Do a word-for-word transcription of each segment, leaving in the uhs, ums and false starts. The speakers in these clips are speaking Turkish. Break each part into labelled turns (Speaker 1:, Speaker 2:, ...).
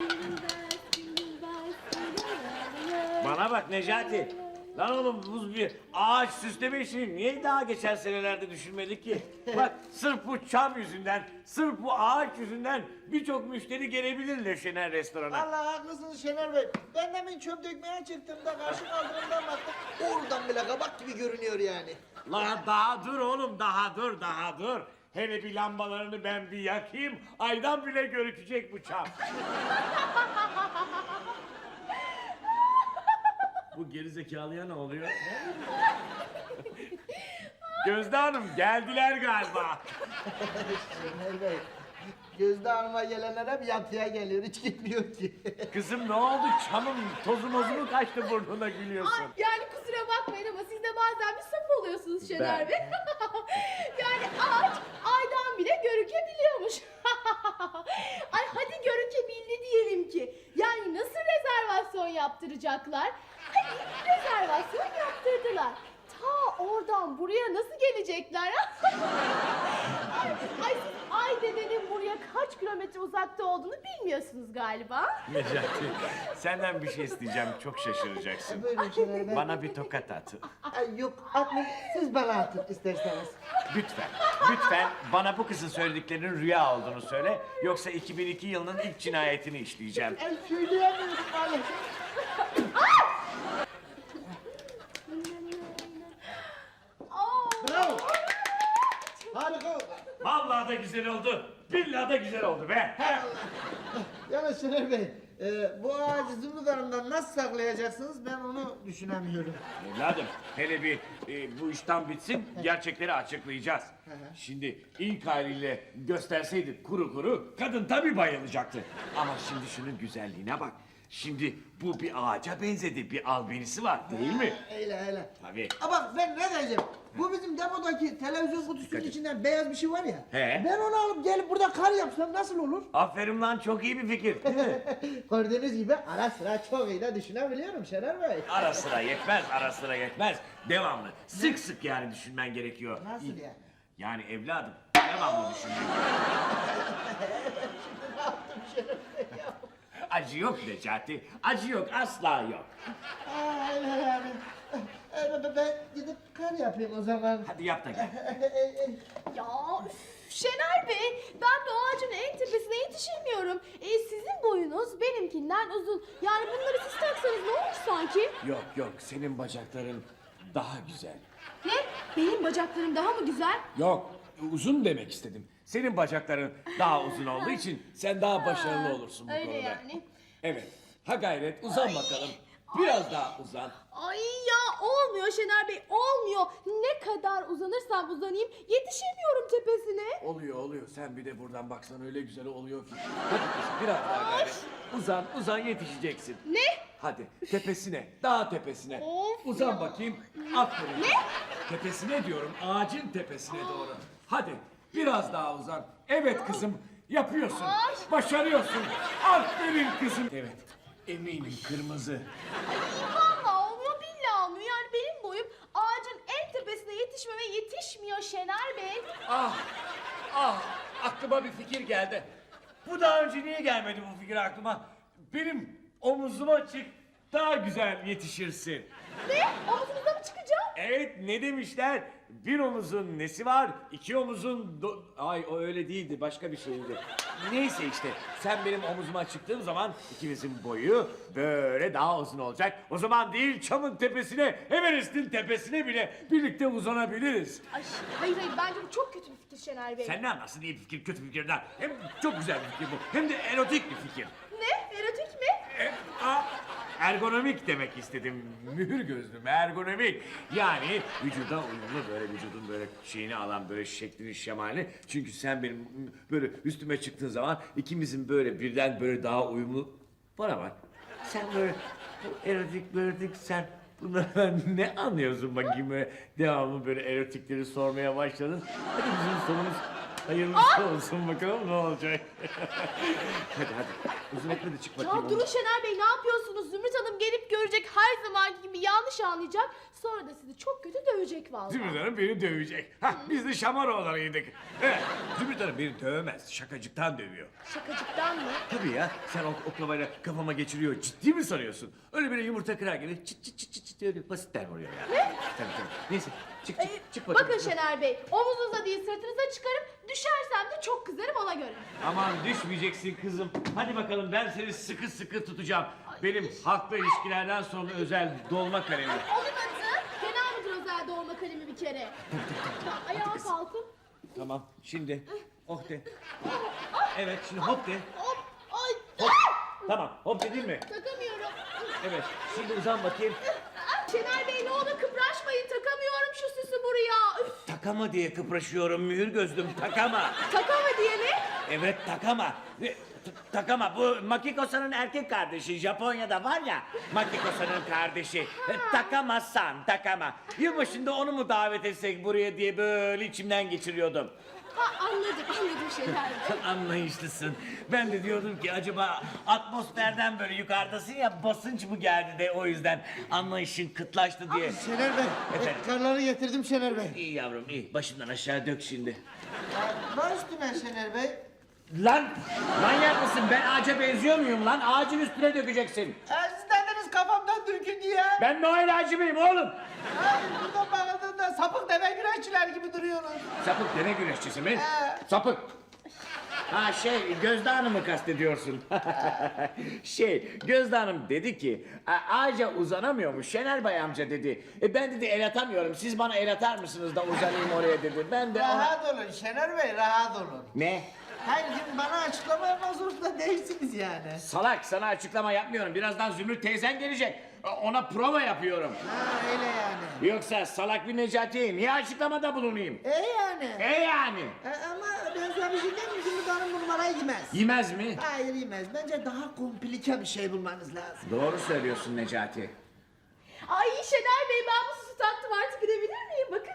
Speaker 1: Bana bak Necati. Lan oğlum bu bir ağaç süsleme işini niye daha geçen senelerde düşünmedik ki? Bak sırf bu çam yüzünden, sırf bu ağaç yüzünden birçok müşteri gelebilir Leşener restorana.
Speaker 2: Allah haklısınız Şener Bey. Ben demin çöp dökmeye çıktığımda karşı kaldırımdan baktım. Oradan bile kabak gibi görünüyor yani.
Speaker 1: Lan daha dur oğlum, daha dur, daha dur. Hele bir lambalarını ben bir yakayım, aydan bile görükecek bu çam. Bu gerizekalıya ne oluyor? Gözde Hanım geldiler galiba.
Speaker 2: Şener Bey, Gözde Hanım'a gelenler hep yatıya geliyor, hiç gitmiyor ki.
Speaker 1: Kızım ne oldu? Çamın tozu mozu mu kaçtı burnuna gülüyorsun?
Speaker 3: Ay, yani kusura bakmayın ama siz de bazen bir saf oluyorsunuz Şener
Speaker 1: Ben-
Speaker 3: Bey. Yani ağaç aydan bile görükebiliyormuş. Ay hadi görükebildi diyelim ki. Yani nasıl rezervasyon yaptıracaklar? Hadi rezervasyon yaptırdılar. Ta oradan buraya nasıl gelecekler? ay, ay siz Ay dedenin buraya kaç kilometre uzakta olduğunu bilmiyorsunuz galiba.
Speaker 1: Necati, senden bir şey isteyeceğim, çok şaşıracaksın.
Speaker 2: Buyurun Şener Bey.
Speaker 1: Bana bir tokat at.
Speaker 2: Ay, yok atmayın, siz bana atın isterseniz.
Speaker 1: Lütfen, lütfen bana bu kızın söylediklerinin rüya olduğunu söyle. Yoksa iki bin iki yılının ilk cinayetini işleyeceğim.
Speaker 2: Ay söyleyemiyorum maalesef.
Speaker 3: Aa,
Speaker 2: Bravo. Harika oldu.
Speaker 1: Vallahi da güzel oldu, billahi da güzel oldu be.
Speaker 2: Yalnız Şener Bey, e, bu ağacı Zümrüt Hanım'dan nasıl saklayacaksınız ben onu düşünemiyorum.
Speaker 1: Evladım, hele bir e, bu işten bitsin, gerçekleri açıklayacağız. Şimdi ilk haliyle gösterseydik kuru kuru, kadın tabii bayılacaktı. Ama şimdi şunun güzelliğine bak. Şimdi bu bir ağaca benzedi, bir albenisi var değil mi?
Speaker 2: Eyle eyle.
Speaker 1: Tabii.
Speaker 2: Ama ben ne diyeceğim? Bu bizim depodaki televizyon kutusunun içinden beyaz bir şey var ya.
Speaker 1: He.
Speaker 2: Ben onu alıp gelip burada kar yapsam nasıl olur?
Speaker 1: Aferin lan, çok iyi bir fikir. Değil mi?
Speaker 2: Gördüğünüz gibi ara sıra çok iyi de düşünebiliyorum Şener Bey.
Speaker 1: Ara sıra yetmez, ara sıra yetmez. Devamlı, sık sık yani düşünmen gerekiyor.
Speaker 2: Nasıl yani?
Speaker 1: Yani evladım, devamlı düşünmen gerekiyor.
Speaker 2: Ne yaptım Şener Bey ya?
Speaker 1: Acı yok Necati, acı yok, asla yok.
Speaker 2: Aa, öyle yani. Ee, ben- ben gidip kar yapayım o zaman.
Speaker 1: Hadi yap da gel.
Speaker 3: ya üf, Şener Bey, ben bu ağacın en tepesine yetişemiyorum. E, sizin boyunuz benimkinden uzun. Yani bunları siz taksanız ne olur sanki?
Speaker 1: Yok yok, senin bacakların daha güzel.
Speaker 3: Ne? Benim bacaklarım daha mı güzel?
Speaker 1: Yok, uzun demek istedim. Senin bacakların daha uzun olduğu için sen daha başarılı olursun bu
Speaker 3: Öyle
Speaker 1: konuda.
Speaker 3: yani.
Speaker 1: Evet, ha gayret uzan bakalım. Biraz daha uzan.
Speaker 3: Ay ya olmuyor Şener Bey, olmuyor. Ne kadar uzanırsam uzanayım yetişemiyorum tepesine.
Speaker 1: Oluyor oluyor, sen bir de buradan baksan öyle güzel oluyor ki. Hadi kızım biraz daha gayret. Uzan uzan yetişeceksin.
Speaker 3: Ne?
Speaker 1: Hadi tepesine, daha tepesine.
Speaker 3: Of
Speaker 1: Uzan
Speaker 3: ya.
Speaker 1: bakayım. Aferin.
Speaker 3: Ne?
Speaker 1: Tepesine diyorum, ağacın tepesine doğru. Hadi biraz daha uzan. Evet kızım, yapıyorsun.
Speaker 3: Ay.
Speaker 1: Başarıyorsun. Aferin kızım. Evet, eminim kırmızı.
Speaker 3: Vallahi olmuyor, billahi olmuyor. Yani benim boyum ağacın en tepesine yetişmeme yetişmiyor Şener Bey.
Speaker 1: Ah, ah, aklıma bir fikir geldi. Bu daha önce niye gelmedi bu fikir aklıma? Benim omuzuma çık, daha güzel yetişirsin.
Speaker 3: Ne? Omuzunuzda mı çıkacağım?
Speaker 1: Evet, ne demişler? Bir omuzun nesi var, iki omuzun... do- Ay o öyle değildi, başka bir şeydi. Neyse işte, sen benim omuzuma çıktığın zaman ikimizin boyu böyle daha uzun olacak. O zaman değil çamın tepesine, Everest'in tepesine bile birlikte uzanabiliriz.
Speaker 3: Ay, hayır hayır, bence bu çok kötü bir fikir Şener Bey.
Speaker 1: Sen ne anlarsın iyi bir fikir, kötü bir fikirden? Hem çok güzel bir fikir bu, hem de erotik bir fikir.
Speaker 3: Ne? Erotik mi?
Speaker 1: E, a, ergonomik demek istedim. Mühür gözlüm, ergonomik. Yani vücuda uyumlu, böyle vücudun böyle şeyini alan, böyle şeklini, şemalini. Çünkü sen benim böyle üstüme çıktığın zaman ikimizin böyle birden böyle daha uyumlu. Bana bak, sen böyle bu erotik, erotik sen bunlardan ne anlıyorsun bakayım, böyle devamlı böyle erotikleri sormaya başladın. Hadi bizim sonumuz hayırlısı olsun bakalım ne olacak. Hadi hadi. Uzun etme de çık bakayım.
Speaker 3: Ya durun Şener Bey, ne yapıyorsunuz? Zümrüt Hanım gelip görecek, her zamanki gibi yanlış anlayacak. Sonra da sizi çok kötü dövecek vallahi.
Speaker 1: Zümrüt Hanım beni dövecek. Hah, biz de Şamaroğullarıydık. Evet, Zümrüt Hanım beni dövemez. Şakacıktan dövüyor.
Speaker 3: Şakacıktan mı?
Speaker 1: Tabii ya, sen o oklavayla kafama geçiriyor. Ciddi mi sanıyorsun? Öyle böyle yumurta kırar gibi çıt çıt çıt çıt çıt öyle basitten vuruyor ya. Ne? Tabii tabii. Neyse, çık çık,
Speaker 3: Ee,
Speaker 1: çık bakayım.
Speaker 3: bakın Şener Bey, omuzunuza değil sırtınıza çıkarıp düşersem de çok kızarım, ona göre.
Speaker 1: Aman düşmeyeceksin kızım. Hadi bakalım, ben seni sıkı sıkı tutacağım. Benim halkla ilişkilerden sonra özel dolma kalemim.
Speaker 3: Ay, onun adı fena mıdır özel doğma kalemi bir kere? Ya, ayağa kalkın.
Speaker 1: Tamam, şimdi oh de. Evet, şimdi hop de.
Speaker 3: Hop, ay,
Speaker 1: Hop. Tamam, hop dedin mi?
Speaker 3: takamıyorum.
Speaker 1: Evet, şimdi uzan bakayım.
Speaker 3: Ay, Şener Bey ne olur kıpraşmayın, takamıyorum şu süsü buraya. Üf,
Speaker 1: Takama diye kıpraşıyorum mühür gözlüm, takama.
Speaker 3: takama diye mi?
Speaker 1: Evet, takama. E, t- Takama, bu Makiko-san'ın erkek kardeşi. Japonya'da var ya, Makiko-san'ın kardeşi. E, Takama-san, takama. Yılbaşında onu mu davet etsek buraya diye böyle içimden geçiriyordum.
Speaker 3: Ha, anladım, anladım Şener Bey.
Speaker 1: Anlayışlısın. Ben de diyordum ki acaba atmosferden böyle yukarıdasın ya, basınç mı geldi de o yüzden anlayışın kıtlaştı diye.
Speaker 2: Şener Bey,
Speaker 1: Efendim?
Speaker 2: efkarları getirdim Şener Bey.
Speaker 1: İyi yavrum, iyi. Başından aşağı dök şimdi.
Speaker 2: Baş üstüne Şener Bey.
Speaker 1: Lan manyak mısın? Ben ağaca benziyor muyum lan? Ağacın üstüne dökeceksin.
Speaker 2: Ee, siz dediniz kafamdan dökün diye.
Speaker 1: Ben Noel ağacı mıyım oğlum?
Speaker 2: Ay, buradan bakıldığında sapık deve güreşçiler gibi duruyorsunuz.
Speaker 1: Sapık deve güreşçisi mi?
Speaker 2: Ee.
Speaker 1: Sapık. Ha şey, Gözde Hanım'ı kastediyorsun. şey, Gözde Hanım dedi ki, "A- ağaca uzanamıyormuş Şener Bey amca dedi. E ben dedi el atamıyorum, siz bana el atar mısınız da uzanayım oraya dedi. Ben de ona...
Speaker 2: Rahat olun Şener Bey, rahat olun.
Speaker 1: Ne?
Speaker 2: Hayır, şimdi bana açıklama yapmak zorunda değilsiniz yani.
Speaker 1: Salak, sana açıklama yapmıyorum. Birazdan Zümrüt teyzen gelecek. Ona prova yapıyorum.
Speaker 2: Ha, öyle yani.
Speaker 1: Yoksa salak bir Necati'ye niye açıklamada bulunayım?
Speaker 2: E yani.
Speaker 1: E yani?
Speaker 2: E, ama ben sana bir şey diyeyim mi? Zümrüt Hanım bu numarayı yemez.
Speaker 1: Yemez mi?
Speaker 2: Hayır yemez. Bence daha komplike bir şey bulmanız lazım.
Speaker 1: Doğru söylüyorsun Necati.
Speaker 3: Ay Şener Bey, ben bu süsü taktım, artık gidebilir miyim? Bakın.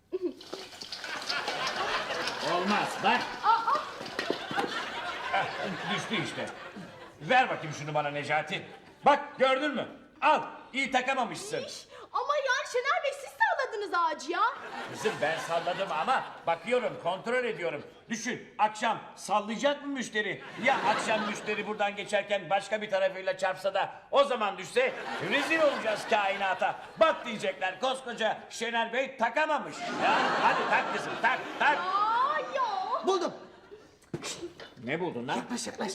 Speaker 1: Olmaz bak.
Speaker 3: Aa,
Speaker 1: Heh, düştü işte. Ver bakayım şunu bana Necati. Bak gördün mü? Al. İyi takamamışsın.
Speaker 3: iş. Ama yani Şener Bey, siz salladınız ağacı ya.
Speaker 1: Kızım ben salladım ama bakıyorum, kontrol ediyorum. Düşün, akşam sallayacak mı müşteri? Ya akşam müşteri buradan geçerken başka bir tarafıyla çarpsa da o zaman düşse rezil olacağız kainata. Bak diyecekler, koskoca Şener Bey takamamış. Ya hadi tak kızım, tak tak.
Speaker 3: Aa ya.
Speaker 2: Buldum.
Speaker 1: Ne buldun lan?
Speaker 2: Yaklaş yaklaş.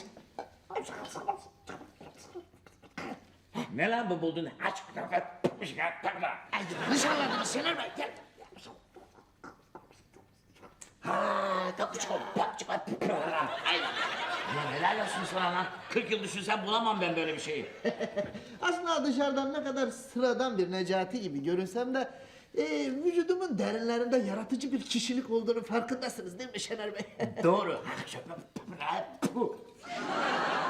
Speaker 1: Ne lan bu buldun? Aç. Takla.
Speaker 2: Ay, yanlış anladınız Şener Bey. Gel.
Speaker 1: Ha, takuçko. Ay. Ya helal olsun sana lan. kırk yıl düşünsem bulamam ben böyle bir şeyi.
Speaker 2: Aslında dışarıdan ne kadar sıradan bir Necati gibi görünsem de e, vücudumun derinlerinde yaratıcı bir kişilik olduğunu farkındasınız değil mi Şener Bey?
Speaker 1: Doğru.